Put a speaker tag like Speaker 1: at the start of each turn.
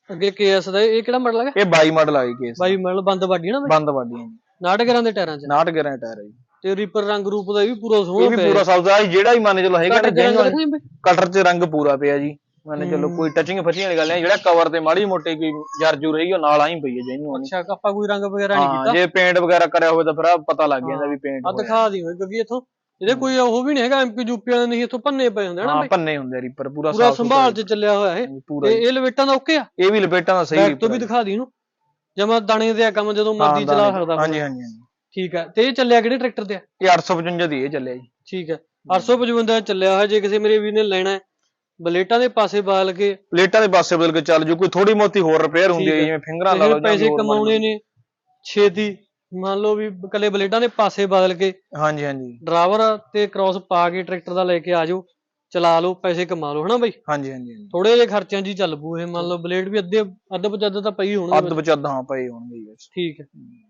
Speaker 1: ਅੱਗੇ ਕੇਐਸ ਦਾ ਇਹ ਕਿਹੜਾ ਮਾਡਲ ਹੈਗਾ?
Speaker 2: ਇਹ 22 ਮਾਡਲ ਆ ਜੀ ਕੇਸ
Speaker 1: 22 ਮਾਡਲ ਬੰਦ ਬਾਡੀ ਨਾ
Speaker 2: ਬੰਦ ਬਾਡੀਆਂ ਜੀ
Speaker 1: 69 ਗੇਰਾਂ ਦੇ ਟਾਇਰਾਂ 'ਚ
Speaker 2: 69 ਗੇਰਾਂ ਟਾਇਰ ਹੈ ਜੀ
Speaker 1: ਤੇ ਰੀਪਰ ਰੰਗ ਰੂਪ ਦਾ ਇਹ ਵੀ ਪੂਰਾ
Speaker 2: ਇਹ
Speaker 1: ਸੋਹਣਾ
Speaker 2: ਵੀ
Speaker 1: ਪਿਆ
Speaker 2: ਪੂਰਾ ਸਬਜ਼ਾ ਜਿਹੜਾ ਹੀ ਮੰਨ ਚਲੋ ਹੈਗਾ ਨਾ
Speaker 1: ਜੈਨੂਅਨ
Speaker 2: ਕਟਰ 'ਚ ਰੰਗ ਪੂਰਾ ਪਿਆ ਜੀ ਮੰਨ ਚਲੋ ਕੋਈ ਟੱਚਿੰਗ ਫੱਚਿੰਗ ਵਾਲੀ ਗੱਲ ਨਹੀਂ ਜਿਹੜਾ ਕਵਰ ਤੇ ਮਾੜੀ ਮੋਟੀ ਕੋਈ ਜਰਜੂ ਰਹੀ ਉਹ ਨਾਲ ਆਈ ਪਈ ਹੈ ਜੈਨੂਅਨ।
Speaker 1: ਅੱਛਾ ਆਪਾਂ ਕੋਈ ਰੰਗ ਵਗੈਰਾ ਨਹੀਂ ਕੀਤਾ
Speaker 2: ਜੇ ਪੇਂਟ ਵਗੈਰਾ ਕਰਿਆ ਹੋਵੇ ਤਾਂ ਫਿਰ ਪਤਾ ਲੱਗ ਜਾਂਦਾ ਵੀ ਪੇਂਟ
Speaker 1: ਆ ਦਿਖਾ ਦੀ ਹੋਏ ਕਿਉਂਕਿ ਇਥੋਂ ਇਹਦੇ ਕੋਈ ਉਹ ਵੀ ਨਹੀਂ ਹੈਗਾ ਐਮਪੀ ਯੂਪੀ ਵਾਲੇ ਨਹੀਂ ਇਥੋਂ ਭੰਨੇ ਪਏ ਹੁੰਦੇ ਨਾ
Speaker 2: ਭੰਨੇ ਹੁੰਦੇ ਰੀਪਰ ਪੂਰਾ
Speaker 1: ਸੰਭਾਲ ਚ ਚੱਲਿਆ ਹੋਇਆ ਇਹ ਤੇ ਇਹ ਲਪੇਟਾਂ ਦਾ ਓਕੇ ਆ
Speaker 2: ਇਹ ਵੀ ਲਪੇਟਾਂ ਦਾ ਸਹੀ
Speaker 1: ਤੋਂ ਵੀ ਦਿਖਾ ਦੀ ਇਹਨੂੰ ਜਮਾ ਦਾਣੇ ਦੇ ਆ ਕੰਮ ਜਦੋਂ ਮਰਜ਼ੀ ਚਲਾ ਸਕਦਾ।
Speaker 2: ਹਾਂਜੀ ਹਾਂਜੀ ਹਾਂਜੀ
Speaker 1: ਠੀਕ ਹੈ। ਤੇ ਇਹ ਚੱਲਿਆ ਕਿਹੜੇ ਟਰੈਕਟਰ ਤੇ ਆ?
Speaker 2: ਇਹ 855 ਦੀ ਇਹ ਚੱਲਿਆ ਜੀ।
Speaker 1: ਠੀਕ ਹੈ 855 ਚੱਲਿਆ ਹੋਇਆ ਜੇ ਕਿਸੇ ਮੇਰੇ ਵੀਰ ਨੇ ਲੈਣਾ ਬਲੇਟਾਂ ਦੇ ਪਾਸੇ ਬਦਲ ਕੇ
Speaker 2: ਪਲੇਟਾਂ ਦੇ ਪਾਸੇ ਬਦਲ ਕੇ ਚੱਲ ਜੂ ਕੋਈ ਥੋੜੀ ਮੋਤੀ ਹੋਰ ਰਿਪੇਅਰ ਹੁੰਦੀ ਹੈ ਜਿਵੇਂ ਫਿੰਗਰਾਂ ਲਾ ਲਓ
Speaker 1: ਪੈਸੇ ਕਮਾਉਣੇ ਨੇ ਛੇਤੀ ਮੰਨ ਲਓ ਵੀ ਕੱਲੇ ਬਲੇਟਾਂ ਦੇ ਪਾਸੇ ਬਦਲ ਕੇ
Speaker 2: ਹਾਂਜੀ ਹਾਂਜੀ
Speaker 1: ਡਰਾਈਵਰ ਤੇ ਕ੍ਰਾਸ ਪਾ ਕੇ ਟਰੈਕਟਰ ਦਾ ਲੈ ਕੇ ਆ ਜਾਓ ਚਲਾ ਲਓ ਪੈਸੇ ਕਮਾ ਲਓ ਹਨਾ ਬਾਈ।
Speaker 2: ਹਾਂਜੀ ਹਾਂਜੀ
Speaker 1: ਥੋੜੇ ਜਿਹੇ ਖਰਚਿਆਂ 'ਚ ਹੀ ਚੱਲ ਪੂ ਇਹ ਮੰਨ ਲਓ ਬਲੇਡ ਵੀ ਅੱਧ ਬਚੱਦ ਤਾਂ ਪਈ ਹੋਣਗੇ
Speaker 2: ਅੱਧ ਬਚੱਦ ਹਾਂ ਪਏ ਹੋਣਗੇ।
Speaker 1: ਠੀਕ ਹੈ।